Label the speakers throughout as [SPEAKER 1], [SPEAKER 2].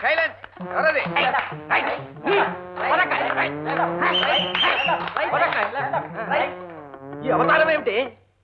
[SPEAKER 1] ఈ అవతారం ఏమిటి?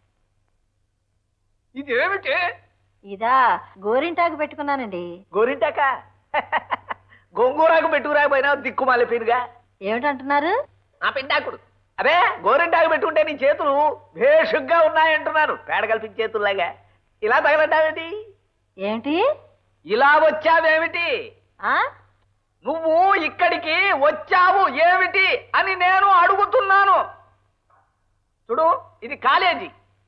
[SPEAKER 1] ఇది ఏమిటి?
[SPEAKER 2] ఇదా గోరింటాకు పెట్టుకున్నానండి.
[SPEAKER 1] గోరింటాక? గోంగూరాకు పెట్టుకురాకపోయినా దిక్కుమాలి పీనుగా.
[SPEAKER 2] ఏమిటంటున్నారు?
[SPEAKER 1] ఆ పిండాకుడు. అదే గోరింటాకు పెట్టుకుంటే నీ చేతులు భేషుగ్గా ఉన్నాయంటున్నాను. పేడ కల్పించే చేతుల్లాగా. ఇలా తగలంటావేమిటి?
[SPEAKER 2] ఏమిటి
[SPEAKER 1] ఇలా వచ్చావేమిటి? నువ్వు ఇక్కడికి వచ్చావు ఏమిటి అని నేను అడుగుతున్నాను. చూడు, ఇది కాలేజీ,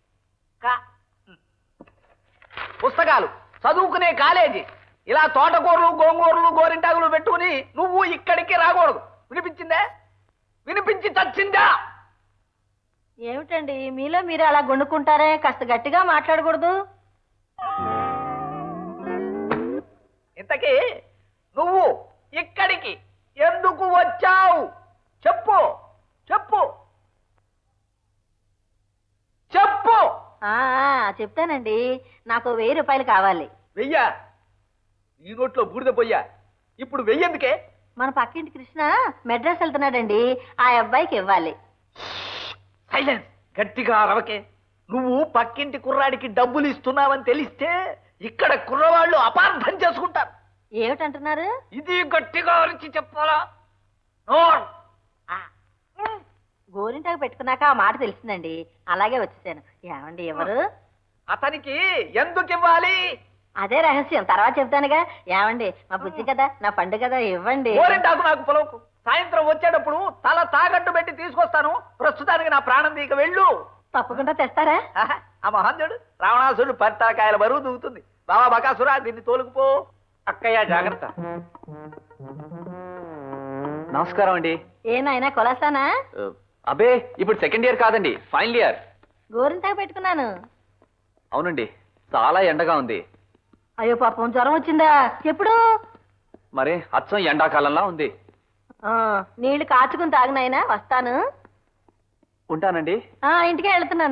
[SPEAKER 1] పుస్తకాలు చదువుకునే కాలేజీ. ఇలా తోటకూరలు గోంగూరలు గోరింటాకులు పెట్టుకుని నువ్వు ఇక్కడికి రాకూడదు. వినిపించిందే? వినిపించి చచ్చిందా?
[SPEAKER 2] ఏమిటండి మీలో మీరు అలా గుండుకుంటారే? కాస్త గట్టిగా మాట్లాడకూడదు?
[SPEAKER 1] ఇంతకీ నువ్వు ఇక్కడికి ఎందుకు వచ్చావు? చెప్పు చెప్పు చెప్పు.
[SPEAKER 2] చెప్తానండి. నాకు 1000 రూపాయలు కావాలి.
[SPEAKER 1] వెయ్యా? నీ నోట్లో బూడిద పోయ్యా. ఇప్పుడు వెయ్యేందుకే?
[SPEAKER 2] మన పక్కింటి కృష్ణ మెడ్రాస్ వెళ్తున్నాడండి. ఆ అబ్బాయికి ఇవ్వాలి.
[SPEAKER 1] సైలెన్స్. గట్టిగా అరవకే. నువ్వు పక్కింటి కుర్రాడికి డబ్బులు ఇస్తున్నావని తెలిస్తే ఇక్కడ కుర్రవాళ్ళు అపార్థం చేసుకుంటారు.
[SPEAKER 2] ఏమిటంటున్నారు?
[SPEAKER 1] ఇది గట్టిగా అరిచి చెప్పాలా?
[SPEAKER 2] గోరింటాకు పెట్టుకున్నాక ఆ మాట తెలిసిందండి. అలాగే వచ్చేసాను. ఏమండి ఎవరు?
[SPEAKER 1] అతనికి ఎందుకు ఇవ్వాలి?
[SPEAKER 2] అదే రహస్యం, తర్వాత చెప్తానుగా. ఏమండి మా బుజ్జి కదా, నా పండు కదా, ఇవ్వండి.
[SPEAKER 1] గోరింటాకు నాకు పొలవుకు. సాయంత్రం వచ్చేటప్పుడు తల తాగట్టు పెట్టి తీసుకొస్తాను. ప్రస్తుతానికి నా ప్రాణం దీక వెళ్ళు.
[SPEAKER 2] తప్పకుండా తెస్తారా?
[SPEAKER 1] ఆ మహాంజుడు రావణాసుడు పట్టాకాయల బరువు దూకుతుంది. బాబా బకాసురా, దీన్ని తోలుకుపో. అక్కయ్య జాగ్రత్త.
[SPEAKER 3] నమస్కారం అండి.
[SPEAKER 2] ఏనాయనా కొలాసానా?
[SPEAKER 3] అబే, ఇప్పుడు సెకండ్ ఇయర్ కాదండి, ఫైనల్ ఇయర్.
[SPEAKER 2] గోరింటాకు పెట్టుకున్నాను.
[SPEAKER 3] అవునండి, చాలా ఎండగా ఉంది.
[SPEAKER 2] అయ్యో పాపం, జ్వరం వచ్చిందా? ఎప్పుడు?
[SPEAKER 3] మరి అచ్చం ఎండాకాలంలా ఉంది.
[SPEAKER 2] నీళ్లు కాచుకుని తాగినాయనా. వస్తాను.
[SPEAKER 3] ఉంటానండి.
[SPEAKER 2] ఇంటికే వెళ్తున్నాను.